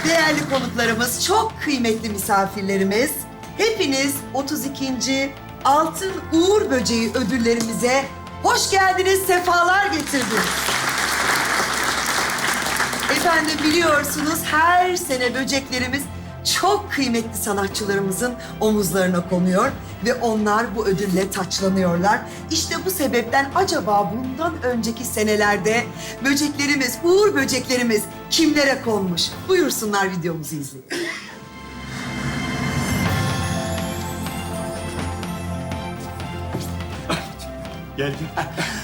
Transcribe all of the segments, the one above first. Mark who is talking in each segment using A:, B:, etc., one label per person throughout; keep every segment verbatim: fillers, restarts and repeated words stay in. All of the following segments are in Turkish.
A: Değerli konuklarımız, çok kıymetli misafirlerimiz, hepiniz otuz ikinci Altın Uğur Böceği ödüllerimize hoş geldiniz, sefalar getirdiniz. Efendim biliyorsunuz her sene böceklerimiz çok kıymetli sanatçılarımızın omuzlarına konuyor ve onlar bu ödülle taçlanıyorlar. İşte bu sebepten acaba bundan önceki senelerde böceklerimiz, uğur böceklerimiz kimlere konmuş? Buyursunlar, videomuzu izleyin.
B: Gel gel.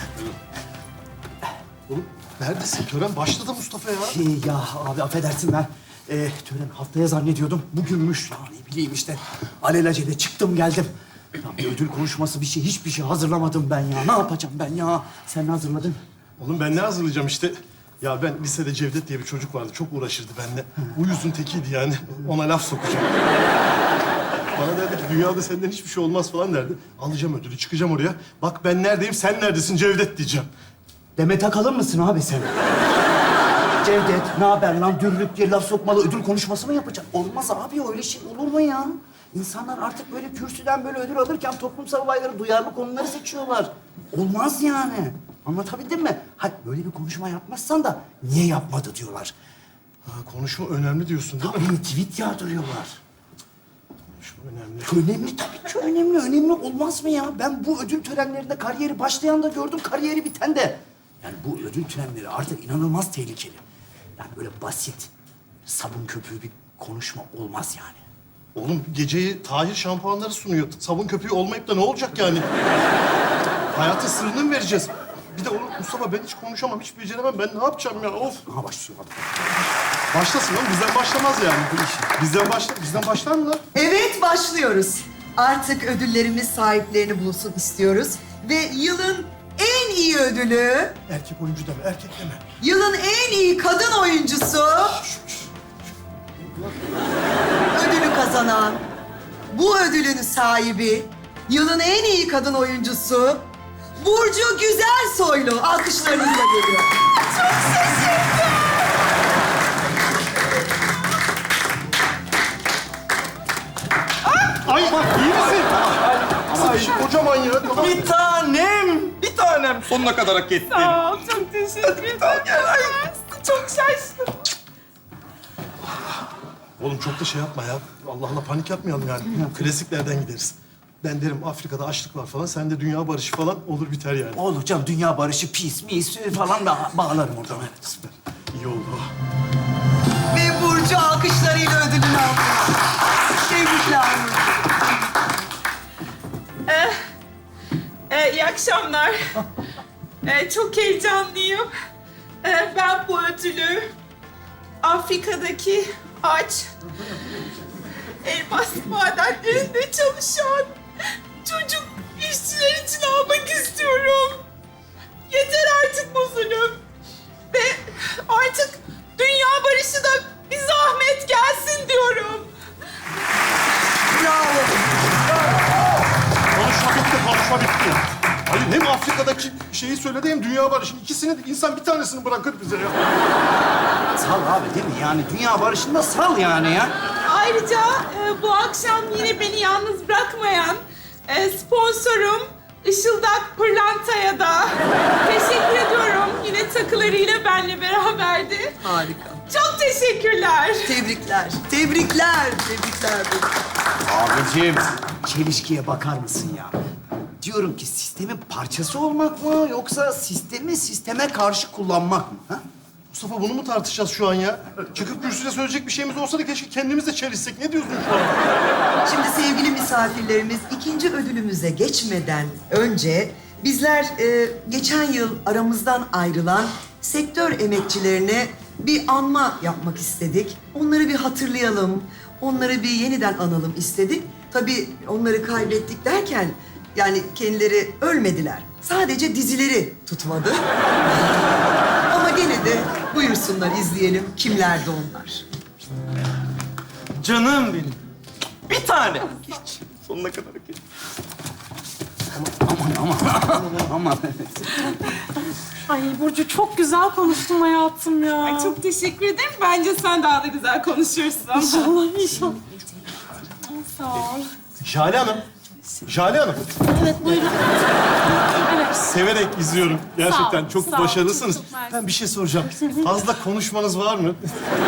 B: Oğlum neredesin? Tören başladı Mustafa ya.
C: Şey ya abi affedersin ben. Ee, tören haftaya zannediyordum. Bugünmüş. Ya ne bileyim işte. Alelacele çıktım geldim. Ya bir ödül konuşması bir şey, hiçbir şey hazırlamadım ben ya. Ne yapacağım ben ya? Sen ne hazırladın?
B: Oğlum ben ne hazırlayacağım işte. Ya ben lisede Cevdet diye bir çocuk vardı. Çok uğraşırdı benimle. Uyuzun tekiydi yani. Ona laf sokacağım. Bana derdi ki dünyada senden hiçbir şey olmaz falan derdi. Alacağım ödülü, çıkacağım oraya. Bak ben neredeyim, sen neredesin Cevdet diyeceğim.
C: Demet Akalın mısın abi sen? Cevdet, ne haber lan? Dürlük diye laf sokmalı ödül konuşması mı yapacaksın? Olmaz abi, öyle şey olur mu ya? İnsanlar artık böyle kürsüden böyle ödül alırken toplumsal olayları, duyarlı konuları seçiyorlar. Olmaz yani. Anlatabildim mi? Hadi böyle bir konuşma yapmazsan da niye yapmadı diyorlar.
B: Ha, konuşma önemli diyorsun değil mi?
C: Tabii tweet yağdırıyorlar.
B: Konuşma önemli.
C: Önemli tabii ki önemli. Önemli olmaz mı ya? Ben bu ödül törenlerinde kariyeri başlayan da gördüm, kariyeri biten de. Yani bu ödül törenleri artık inanılmaz tehlikeli. Yani böyle basit, sabun köpüğü bir konuşma olmaz yani.
B: Oğlum geceyi Tahir şampuanları sunuyor. Sabun köpüğü olmayıp da ne olacak yani? Hayatın sırrını mı vereceğiz? Bir de oğlum Mustafa ben hiç konuşamam, hiç beceremem. Ben ne yapacağım ya? Of!
C: Aha başlıyor adam.
B: Başlasın oğlum. Bizden başlamaz yani bu iş. Bizden başla, bizden başlar mı lan?
A: Evet, başlıyoruz. Artık ödüllerimiz sahiplerini bulsun istiyoruz. Ve yılın en iyi ödülü,
B: Erkek oyuncu deme, erkek deme.
A: yılın en iyi kadın oyuncusu ödülü kazanan, bu ödülün sahibi, yılın en iyi kadın oyuncusu Burcu Güzelsoylu alkışlarınızla geliyor.
B: Ay bak iyi misin? Nasıl bir şey kocaman ya? Tamam.
D: Bir tanem, bir tanem. Sonuna kadar hak ettin.
E: Sağ ol, çok teşekkür ederim. Çok şaştım.
B: Oğlum çok da şey yapma ya. Allah Allah panik yapmayalım yani. Klasiklerden gideriz. Ben derim Afrika'da açlık var falan. Sen de dünya barışı falan olur biter yani.
C: Olur canım, dünya barışı, peace, mis falan da bağlarım oradan. Evet.
B: Süper. İyi oldu.
A: Ve Burcu alkışlarıyla ödülünü aldı. Tebrikler.
E: Ee, iyi akşamlar. Ee, çok heyecanlıyım. Ee, ben bu ödülü Afrika'daki aç, elmas madenlerinde çalışan çocuk işçiler için almak istiyorum. Yeter artık bu zulüm. Ve artık dünya barışı da bir zahmet gelsin diyorum.
A: Bravo.
B: Konuşma bitti, konuşma bitti. Hayır hem Afrika'daki şeyi söyledi hem dünya barışını. İkisini de insan bir tanesini bırakır bize ya.
C: Sal abi değil mi? Yani dünya barışında sal yani ya.
E: Ayrıca e, bu akşam yine beni yalnız bırakmayan e, sponsorum Işıldak Pırlanta'ya da teşekkür ediyorum. Yine takılarıyla benimle beraberdi.
A: Harika.
E: Çok teşekkürler.
A: Tebrikler. Tebrikler. Tebrikler.
C: Abicim, çelişkiye bakar mısın ya? Diyorum ki sistemin parçası olmak mı yoksa sistemi sisteme karşı kullanmak mı? Ha?
B: Mustafa bunu mu tartışacağız şu an ya? Çıkıp kürsüde söyleyecek bir şeyimiz olsa da keşke kendimiz de çelişsek. Ne diyorsun şu an?
A: Şimdi sevgili misafirlerimiz, ikinci ödülümüze geçmeden önce bizler e, geçen yıl aramızdan ayrılan sektör emekçilerine bir anma yapmak istedik. Onları bir hatırlayalım, onları bir yeniden analım istedik. Tabii onları kaybettik derken yani kendileri ölmediler. Sadece dizileri tutmadı. Ama gene de buyursunlar, izleyelim kimlerdi onlar.
D: Canım benim. Bir tane. Hiç. Sonuna kadar hak ettin.
C: Aman aman aman.
F: Ay Burcu çok güzel konuştun hayatım ya.
E: Ay çok teşekkür ederim. Bence sen daha da güzel konuşuyorsun.
F: İnşallah inşallah. Sağ ol.
B: Jale Hanım. Jale Hanım.
F: Evet buyurun. Evet.
B: Severek izliyorum. Gerçekten
F: Sağ ol,
B: çok
F: sağ ol.
B: başarılısınız.
F: Çok, çok mersi.
B: Ben bir şey soracağım. Fazla konuşmanız var mı?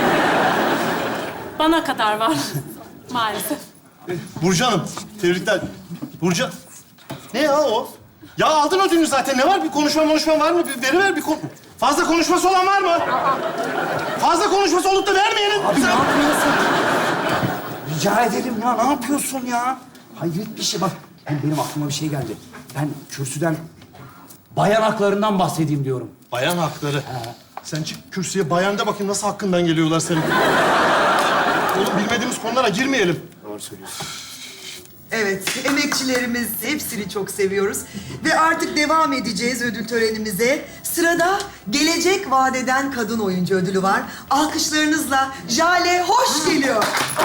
F: Bana kadar var. Maalesef.
B: Burcu Hanım, tebrikler. Burcu... Ne ya o? Ya aldın ödülünü zaten. Ne var? Bir konuşma konuşma var mı? Bir veriver bir kon... Fazla konuşması olan var mı? Fazla konuşması olup da vermeyenin.
C: Abi ne yapıyorsun? Rica ederim ya, ne yapıyorsun ya? Hayret bir şey bak. Hem benim aklıma bir şey geldi. Ben kürsüden bayan haklarından bahsedeyim diyorum.
B: Bayan hakları. Sen çık kürsüye bayan de bakayım nasıl hakkından geliyorlar senin. Oğlum bilmediğimiz konulara girmeyelim.
C: Doğru söylüyorsun.
A: Evet, emekçilerimiz hepsini çok seviyoruz. Ve artık devam edeceğiz ödül törenimize. Sırada Gelecek Vadeden Kadın Oyuncu ödülü var. Alkışlarınızla Jale hoş geliyor.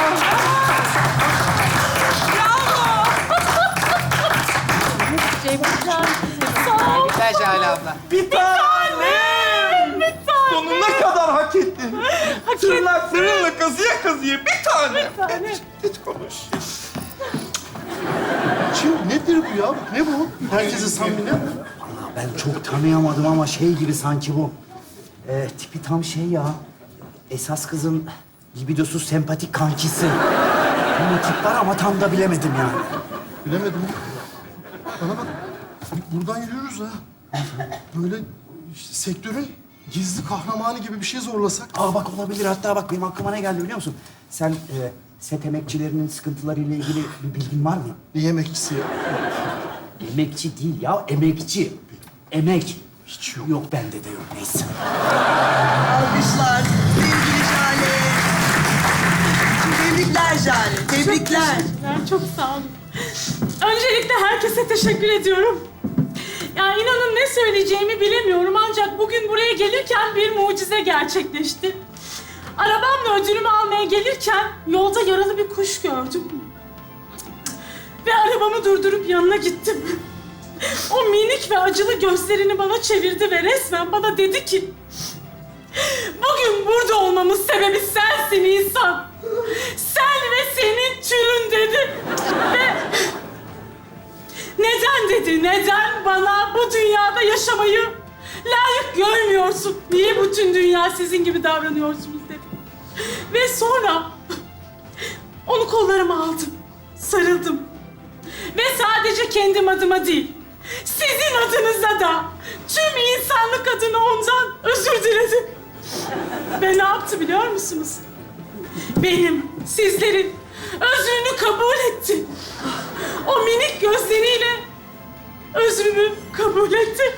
G: Güzel Jale abla.
D: Bir tanem.
F: Bir tane.
D: Sonuna kadar hak ettin. Tırnaklarınla kazıya kazıya bir tanem.
F: Bir tane.
D: Geç, geç konuş.
B: Şimdi nedir bu ya? Ne bu? Herkese samimi.
C: Vallahi ben çok tanıyamadım ama şey gibi sanki bu. Ee, tipi tam şey ya. Esas kızın libidosuz sempatik kankisi. Bir tip var ama tam da bilemedim yani.
B: Bilemedim. Bana bak. Buradan yürüyoruz ha. Böyle işte sektörün gizli kahramanı gibi bir şey zorlasak.
C: Aa bak olabilir. Hatta bak benim aklıma ne geldi biliyor musun? Sen e, set emekçilerinin sıkıntılarıyla ilgili bir bilgin var mı?
B: Bir yemekçisi ya.
C: Emekçi değil ya, emekçi. Emek.
B: Hiç yok.
C: Yok bende de yok. Neyse.
A: Alkışlar sevgili Jale. Tebrikler Jale, tebrikler.
F: Teşekkürler, çok sağ olun. Öncelikle herkese teşekkür ediyorum. Ya inanın ne söyleyeceğimi bilemiyorum ancak bugün buraya gelirken bir mucize gerçekleşti. Arabamla ödülümü almaya gelirken yolda yaralı bir kuş gördüm. Ve arabamı durdurup yanına gittim. O minik ve acılı gözlerini bana çevirdi ve resmen bana dedi ki... Bugün burada olmamın sebebi sensin insan. Sen ve senin türün dedi. Ve... Neden dedi, neden bana bu dünyada yaşamayı layık görmüyorsun? Niye bütün dünya sizin gibi davranıyorsunuz dedi. Ve sonra onu kollarıma aldım, sarıldım. Ve sadece kendim adıma değil, sizin adınıza da tüm insanlık adına ondan özür diledim. Ve ne yaptı biliyor musunuz? Benim, sizlerin özrünü kabul etti. O minik gözleriyle özrümü kabul etti.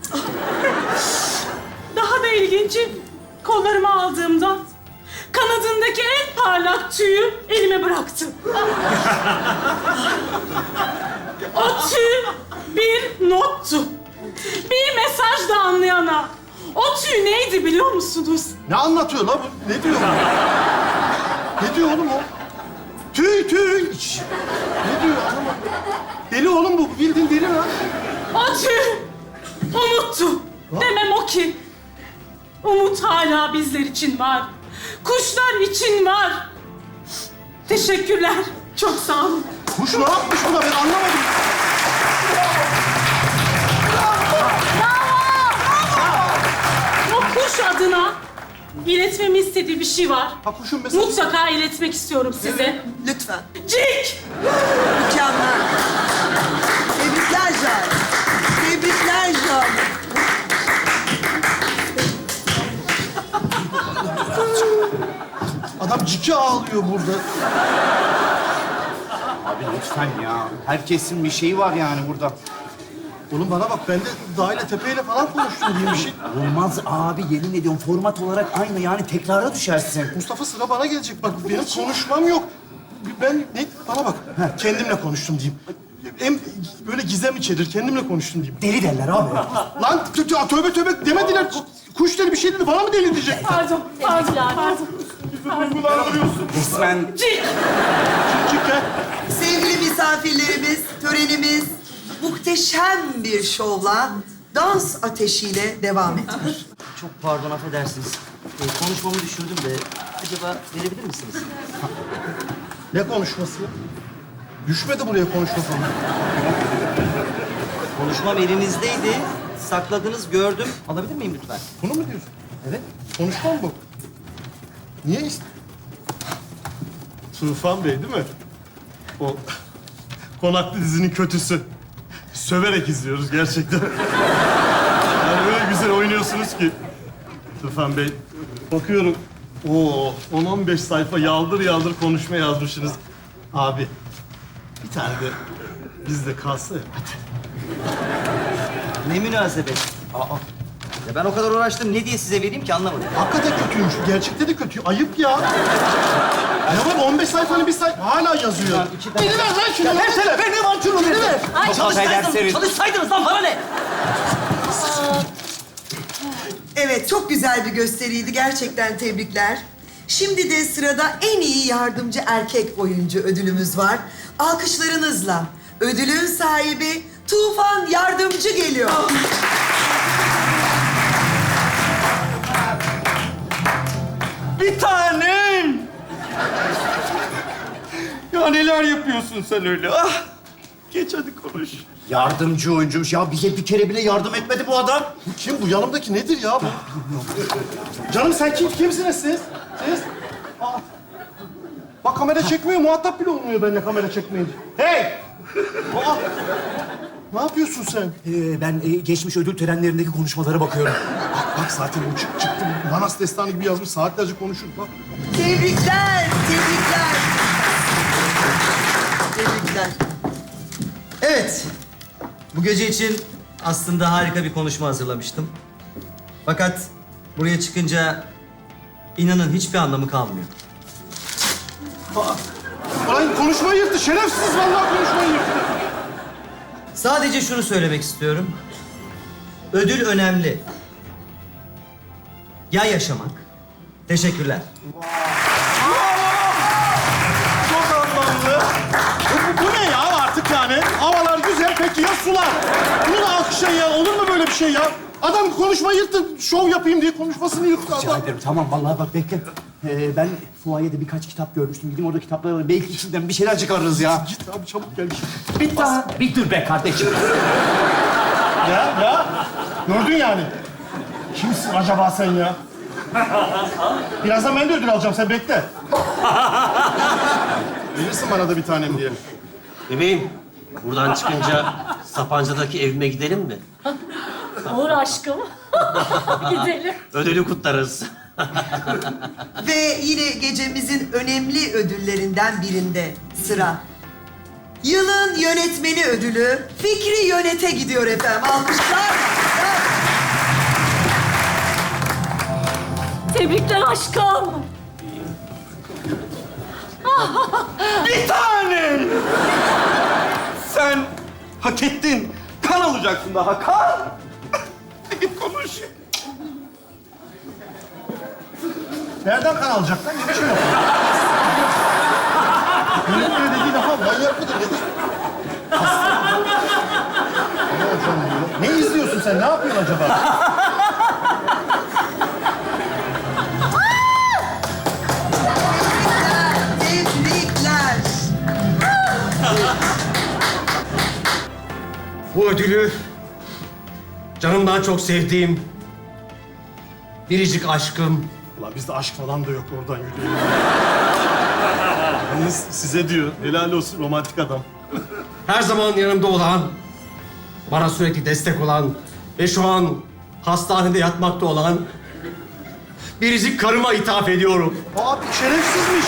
F: Daha da ilginci, kollarıma aldığımda kanadındaki en parlak tüyü elime bıraktı. O tüy bir nottu. Bir mesaj da anlayana. O tüy neydi biliyor musunuz?
B: Ne anlatıyor la bu? Ne diyor? Ne diyor oğlum o? Tüy tüy. Şş. Ne diyor? Anlamadım. Deli oğlum bu. Bildiğin deli lan.
F: O tüy umuttu. Demem o ki, umut hala bizler için var. Kuşlar için var. Teşekkürler. Çok sağ olun.
B: Kuş ne yapmış buna ben anlamadım.
F: O kuş adına iletmemi istediği bir şey var.
B: Ha kuşun mesela.
F: Mutlaka iletmek istiyorum size.
A: Lütfen.
F: Cik!
A: Mükemmel. Tebrikler Jale. Tebrikler Jale.
B: Adam ciki ağlıyor burada.
C: Abi lütfen ya. Herkesin bir şeyi var yani burada.
B: Oğlum bana bak ben de Dağ Tepe'yle falan konuştum diye bir şey.
C: Olmaz abi, yemin ediyorum format olarak aynı yani tekrara düşersin.
B: Mustafa sıra bana gelecek. Bak benim konuşmam yok. Ben ne? Bana bak. Kendimle konuştum diyeyim. Hem böyle gizem içerir. Kendimle konuştum diyeyim.
C: Deli derler abi.
B: Lan tö- tö- tövbe tövbe demediler. Kuş dedi bir şey dedi. Bana mı deli diyecek?
F: Pardon, pardon, pardon.
B: Duygulandırıyorsun.
C: Resmen
F: Cik!
B: Cik ha.
A: Sevgili misafirlerimiz, törenimiz muhteşem bir şovla, dans ateşiyle devam etmiş.
C: Çok pardon, affedersiniz. Ee, konuşmamı düşürdüm de acaba verebilir misiniz?
B: Ne konuşması ya? Düşmedi buraya konuşma falan.
C: Konuşmam elinizdeydi. Sakladınız, gördüm. Alabilir miyim lütfen?
B: Bunu mu diyorsun?
C: Evet.
B: Konuşmam bu. Niye ist... Tufan Bey değil mi? O Konaklı dizinin kötüsü. Söverek izliyoruz gerçekten. Yani öyle güzel oynuyorsunuz ki. Tufan Bey, bakıyorum. Oo, on on beş sayfa yaldır yaldır konuşma yazmışsınız. Abi, bir tane de bizde kalsa ya. Hadi.
C: Ne münasebet. Aa. Ya ben o kadar uğraştım. Ne diye size vereyim ki anlamadım.
B: Hakikaten kötüymüş. Gerçekte de kötü. Ayıp ya. Ne var? on beş sayfanın bir sayfa hala yazıyor. Beni ver lan şunu. Versene. Ver ne var şunu? Beni ver.
C: Ay çalışsaydınız, çalışsaydınız lan bana ne?
A: Evet, çok güzel bir gösteriydi. Gerçekten tebrikler. Şimdi de sırada en iyi yardımcı erkek oyuncu ödülümüz var. Alkışlarınızla ödülün sahibi Tufan Yardımcı geliyor.
D: Bir tanem. Ya neler yapıyorsun sen öyle? Ah. Geç hadi konuş.
C: Yardımcı oyuncuymuş. Ya bize bir kere bile yardım etmedi bu adam.
B: Bu kim? Bu yanımdaki nedir ya bu? Canım sen kim? Kimsiniz siz? Siz? Aa. Bak kamera çekmiyor. Muhatap bile olmuyor benimle kamera çekmeyince. Hey! Aa. Ne yapıyorsun sen?
C: Ee, ben e, geçmiş ödül törenlerindeki konuşmalara bakıyorum.
B: Bak, bak zaten bu çık, çıktı. Manas destanı gibi yazmış. Saatlerce konuşur. Bak.
A: Tebrikler, tebrikler. Tebrikler.
H: Evet. Bu gece için aslında harika bir konuşma hazırlamıştım. Fakat buraya çıkınca inanın hiçbir anlamı kalmıyor.
B: Ay konuşmayı yırttı. Şerefsiz vallahi konuşmayı yırttı.
H: Sadece şunu söylemek istiyorum. Ödül önemli. Ya yaşamak? Teşekkürler.
B: Çok anlamlı. Bu, bu ne ya artık yani? Havalar güzel peki ya sular? Bunu da alkışlayın ya. Olur mu böyle bir şey ya? Adam konuşmayı yırttı. Şov yapayım diye konuşmasını yırttı
C: Rica
B: adam.
C: ederim. Tamam vallahi bak bekle. Ee, ben fuayede birkaç kitap görmüştüm. Gideyim orada kitapları alayım. Belki içinden bir şeyler çıkarırız ya.
B: Git abi çabuk gel.
C: Bir daha. Bir dur be kardeşim.
B: Ya ya. Gördün yani. Kimsin acaba sen ya? Birazdan ben de ödül alacağım. Sen bekle. Verirsin bana da bir tanem diye.
I: Bebeğim, buradan çıkınca Sapanca'daki evime gidelim mi?
F: Olur aşkım. Gidelim.
I: Ödülü kutlarız.
A: Ve yine gecemizin önemli ödüllerinden birinde sıra. Yılın yönetmeni ödülü Fikri Yönet'e gidiyor efendim. Alkışlar.
F: Tebrikler aşkım.
D: Bir tanem. Sen hak ettin. Kan alacaksın daha kan. Git konuş.
B: Nereden kan alacaklar? Hiçbir şey yok. Yönetmeni dediği lafa manyak mıdır nedir? Hasta. Ne hocam diyor? Ne izliyorsun sen? Ne yapıyorsun acaba?
A: Tebrikler.
I: Bu ödülü canımdan çok sevdiğim biricik aşkım
B: Ulan bizde aşk falan da yok oradan yürüyelim. Yalnız size diyor. Helal olsun romantik adam.
I: her zaman yanımda olan, bana sürekli destek olan ve şu an hastanede yatmakta olan biricik karıma ithaf ediyorum.
B: Abi şerefsizmiş.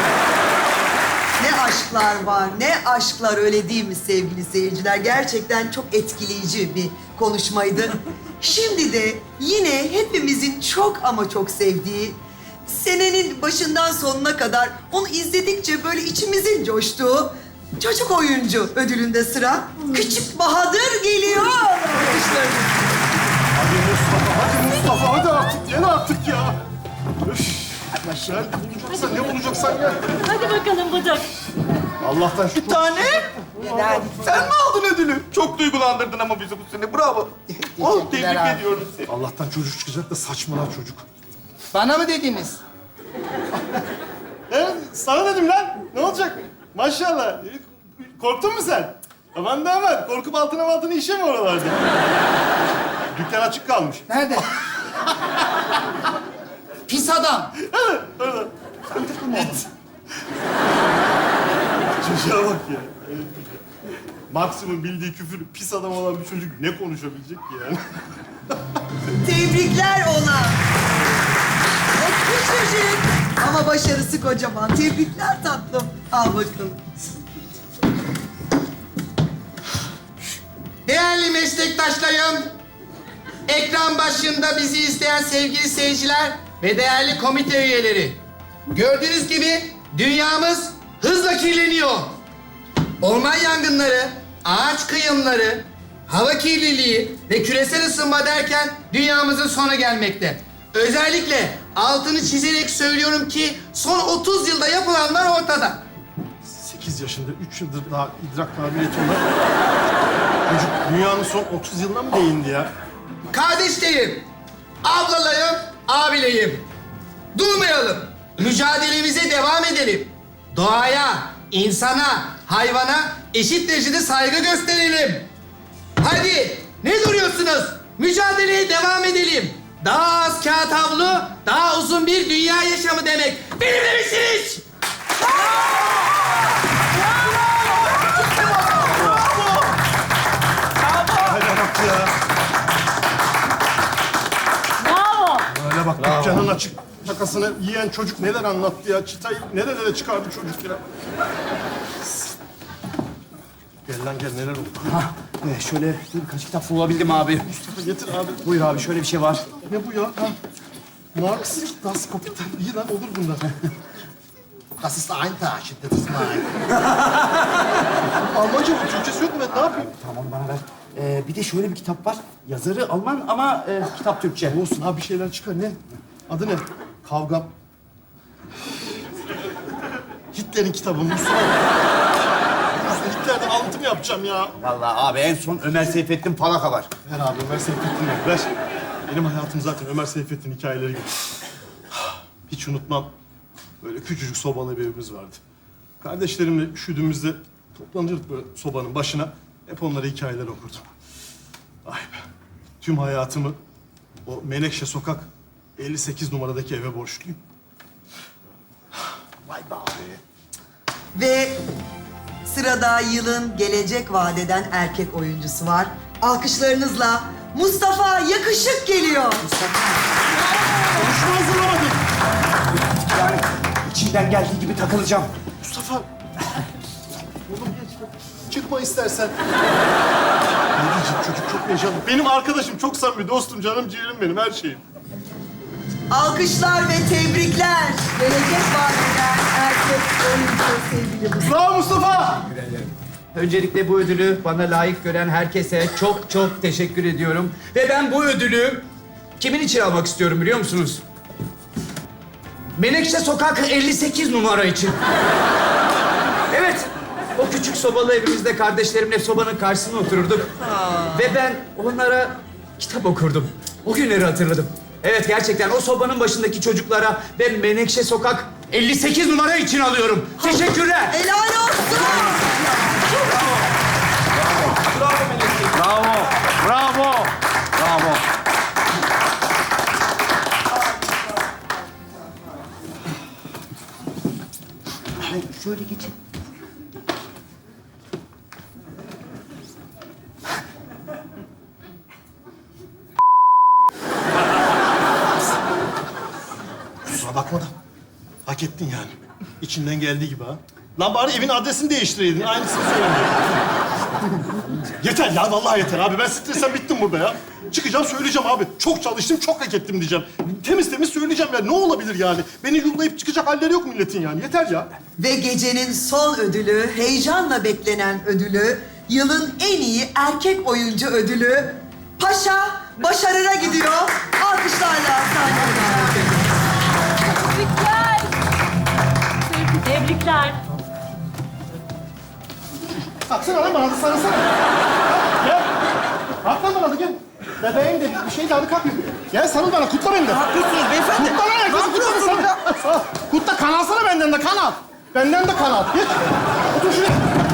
A: Ne aşklar var, ne aşklar öyle değil mi sevgili seyirciler? Gerçekten çok etkileyici bir konuşmaydı. Şimdi de yine hepimizin çok ama çok sevdiği, senenin başından sonuna kadar onu izledikçe böyle içimizin coştuğu çocuk oyuncu ödülünde sıra. Küçük Bahadır geliyor. Alkışlarınız.
B: Hadi Mustafa, hadi Mustafa. Hadi artık gel artık ya. Üf. Gel bulacaksan ne bulacaksan gel.
F: Hadi bakalım Bıdık.
B: Allah'tan şükür.
D: Bir tane. Sen mi aldın ödülü? Çok duygulandırdın ama bizi bu sene. Bravo. Oh, tebrik
G: abi.
D: ediyorum seni.
B: Allah'tan çocuk çıkacak da saçmalar çocuk.
G: Bana mı dediniz?
B: Evet, sana dedim lan. Ne olacak? Maşallah. Korktun mu sen? Aman da aman. Korkup altına altına işe mi oralarda? Dükkan açık kalmış.
G: Nerede? Pis adam.
B: Evet, orada. Git. Çocuğa bak ya. Maksimum bildiği küfür pis adam olan bir çocuk ne konuşabilecek ki yani?
A: Tebrikler ona. O küçücük ama başarısı kocaman. Tebrikler tatlım. Al bakalım.
G: Değerli meslektaşlarım, ekran başında bizi izleyen sevgili seyirciler ve değerli komite üyeleri. Gördüğünüz gibi dünyamız hızla kirleniyor. Orman yangınları, ağaç kıyımları, hava kirliliği ve küresel ısınma derken dünyamızın sonu gelmekte. Özellikle altını çizerek söylüyorum ki son otuz yılda yapılanlar ortada.
B: Sekiz yaşında, üç yıldır daha idrak kabiliyeti olan çocuk dünyanın son otuz yılına mı değindi ya?
G: Kardeşlerim, ablalarım, abilerim. Durmayalım. Mücadelemize devam edelim. Doğaya, insana, hayvana eşit derecede saygı gösterelim. Hadi, ne duruyorsunuz? Mücadeleye devam edelim. Daha az kağıt havlu, daha uzun bir dünya yaşamı demek. Benimle misiniz?
B: Hadi bak ya.
F: Bravo.
B: Öyle bak dükkanın açık şakasını yiyen çocuk neler anlattı ya. Çıtayı nerelere çıkardı çocuk ya. Gel lan gel neler oldu.
C: Ee, şöyle birkaç kitap bulabildim abi.
B: Mustafa getir abi.
C: Buyur abi, şöyle bir şey var.
B: Ne bu ya? Ha? Marx, Das Kapital. İyi lan olur bunlar.
G: Das ist ein Tag, das ist mein.
B: Almanca mı? Türkçesi yok mu? Ben ne yapayım?
C: Tamam, onu bana ver. Ee, bir de şöyle bir kitap var. Yazarı Alman ama e, kitap Türkçe.
B: Olsun abi bir şeyler çıkar. Ne? Adı ne? Kavgam. Hitler'in kitabı Mustafa. Hitler'den alıntı mı yapacağım ya?
C: Vallahi abi en son Ömer Seyfettin Falaka var.
B: Ver abi Ömer Seyfettin ver. Ver. Benim hayatım zaten Ömer Seyfettin hikayeleri gibi. Hiç unutmam. Böyle küçücük sobalı bir evimiz vardı. Kardeşlerimle üşüdüğümüzde toplanırdık böyle sobanın başına. Hep onlara hikayeler okurdum. Ay be. Tüm hayatımı o Menekşe Sokak elli sekiz numaradaki eve borçluyum. Vay be abi.
A: Ve sırada yılın gelecek vadeden erkek oyuncusu var. Alkışlarınızla Mustafa Yakışık geliyor.
B: Konuşma hazırlamadım.
C: Yani içinden geldiği gibi takılacağım.
B: Mustafa. Oğlum geç. Çıkma istersen. Ne diyeceğim çocuk çok heyecanlı. Benim arkadaşım çok samimi dostum canım ciğerim benim her şeyim.
A: Alkışlar ve tebrikler. Gelecek vadeden erkek oyuncu sevgili Mustafa.
B: Bravo Mustafa.
C: Öncelikle bu ödülü bana layık gören herkese çok çok teşekkür ediyorum. Ve ben bu ödülü kimin için almak istiyorum biliyor musunuz? Menekşe Sokak elli sekiz numara için. Evet, o küçük sobalı evimizde kardeşlerimle sobanın karşısına otururduk. Ve ben onlara kitap okurdum. O günleri hatırladım. Evet, gerçekten o sobanın başındaki çocuklara ve Menekşe Sokak elli sekiz numara için alıyorum. Teşekkürler.
A: Helal olsun.
D: Bravo, bravo, bravo.
C: Şöyle geçin.
B: Kusura bakma da hak ettin yani. İçinden geldiği gibi ha. Lan bari evin adresini değiştireydin. Aynısını söylemiyorum. Yeter ya vallahi yeter abi. Ben stresten bittim burada ya. Çıkacağım söyleyeceğim abi. Çok çalıştım, çok hak ettim diyeceğim. Temiz temiz söyleyeceğim ya. Ne olabilir yani? Beni yollayıp çıkacak halleri yok milletin yani. Yeter ya.
A: Ve gecenin son ödülü, heyecanla beklenen ödülü, yılın en iyi erkek oyuncu ödülü Paşa Başarır'a gidiyor. Alkışlarla sahneye.
F: Tebrikler. Tebrikler.
B: Baksana lan bana, sarılsana. Gel. Kalk lan bana da gel. Bebeğim de bir şey de hadi kalk. Gel sarıl bana, kutla beni de.
D: Ne yapıyorsunuz beyefendi?
B: Kutla lan herkes, kutla beni. Sağ ol. Kutla, kan alsana benden de, kan al. Benden de kan al. Geç. Otur şuraya.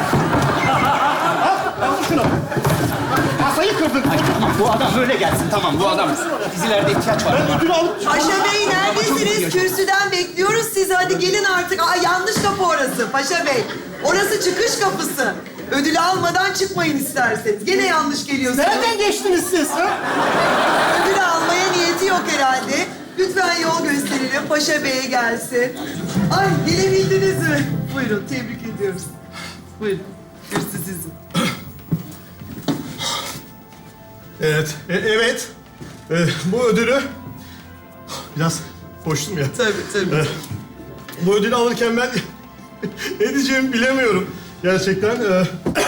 B: Al, al şunu. Masayı kırdın.
C: Tamam, bu adam böyle gelsin. Tamam, bu adam. Dizilerde ihtiyaç var.
B: Ben ödülü alıp...
A: Paşa Bey neredesiniz? Kürsüden bekliyoruz sizi. Hadi gelin artık. Aa, yanlış kapı orası Paşa Bey. Orası çıkış kapısı. Ödülü almadan çıkmayın isterseniz. Gene yanlış geliyorsunuz.
B: Nereden geçtiniz siz? Ha?
A: Ödül almaya niyeti yok herhalde. Lütfen yol gösterelim. Paşa Bey'e gelsin. Ay gelebildiniz mi? Buyurun tebrik ediyoruz. Buyurun. Kürsü sizin.
B: Evet, e- evet. E, bu ödülü... Biraz koştum ya.
A: Tabii tabii.
B: E, bu ödülü alırken ben ne diyeceğimi bilemiyorum. Gerçekten. E...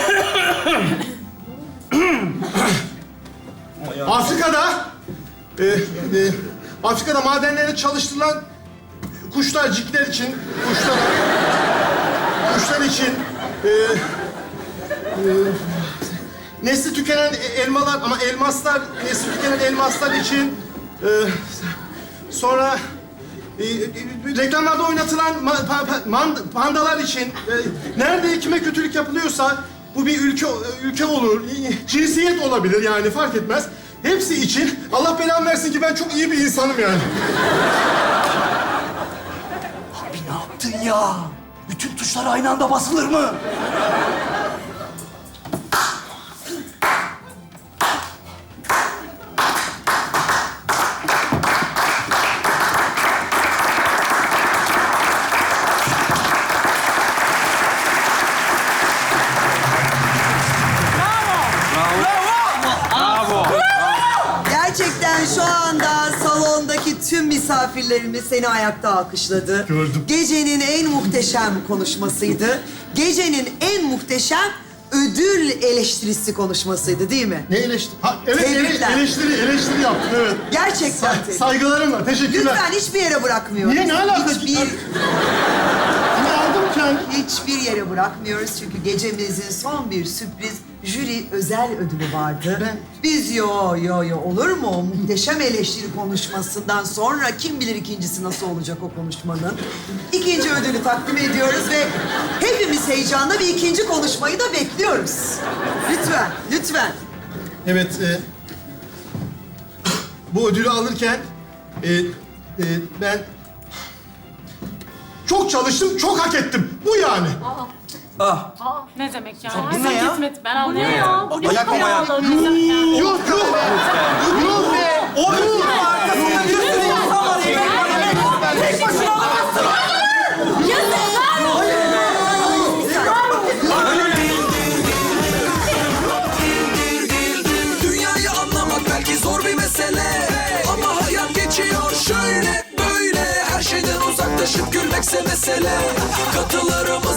B: Afrika'da... E, e, Afrika'da madenlerde çalıştırılan kuşlarcıklar için... Kuşlar... Kuşlar için... E, e, nesli tükenen elmalar ama elmaslar, nesli tükenen elmaslar için e, sonra e, e, reklamlarda oynatılan ma, pa, pa, man, pandalar için e, nerede kime kötülük yapılıyorsa bu bir ülke ülke olur, cinsiyet olabilir yani fark etmez. Hepsi için Allah belamı versin ki ben çok iyi bir insanım yani.
C: Abi ne yaptın ya? Bütün tuşlar aynı anda basılır mı?
A: Gerçekten şu anda salondaki tüm misafirlerimiz seni ayakta alkışladı.
B: Gördüm.
A: Gecenin en muhteşem konuşmasıydı. Gecenin en muhteşem ödül eleştirisi konuşmasıydı değil mi?
B: Ne eleştiri? Ha, evet ele,
A: Tebrikler.
B: eleştiri, eleştiri yaptım evet.
A: Gerçekten.
B: Sa- saygılarım var, teşekkürler.
A: Lütfen hiçbir yere bırakmıyoruz.
B: Niye, ne alaka?
A: Hiçbir,
B: Ama aldım kendi.
A: hiçbir yere bırakmıyoruz çünkü gecemizin son bir sürpriz jüri özel ödülü vardı.
B: Ben-
A: Biz yo yo yo olur mu? O muhteşem eleştiri konuşmasından sonra kim bilir ikincisi nasıl olacak o konuşmanın. İkinci ödülü takdim ediyoruz ve hepimiz heyecanla bir ikinci konuşmayı da bekliyoruz. Lütfen, lütfen.
B: Evet, e, bu ödülü alırken e, e, ben çok çalıştım, çok hak ettim. Bu yani.
D: Ah.
F: Ne demek ya?
D: Bu ne ya?
F: Hizmet, ben anlayamıyorum.
D: Bu ne ya? Ayak mı ayak?
B: Yok, yok. Yok be.
D: O ödülün arkasında bir sürü insan var. Tek başına alamazsın.
J: Dünyayı anlamak belki zor bir mesele, ama hayat geçiyor şöyle böyle. Her şeyden uzaklaşıp gülmekse mesele. Katılarımız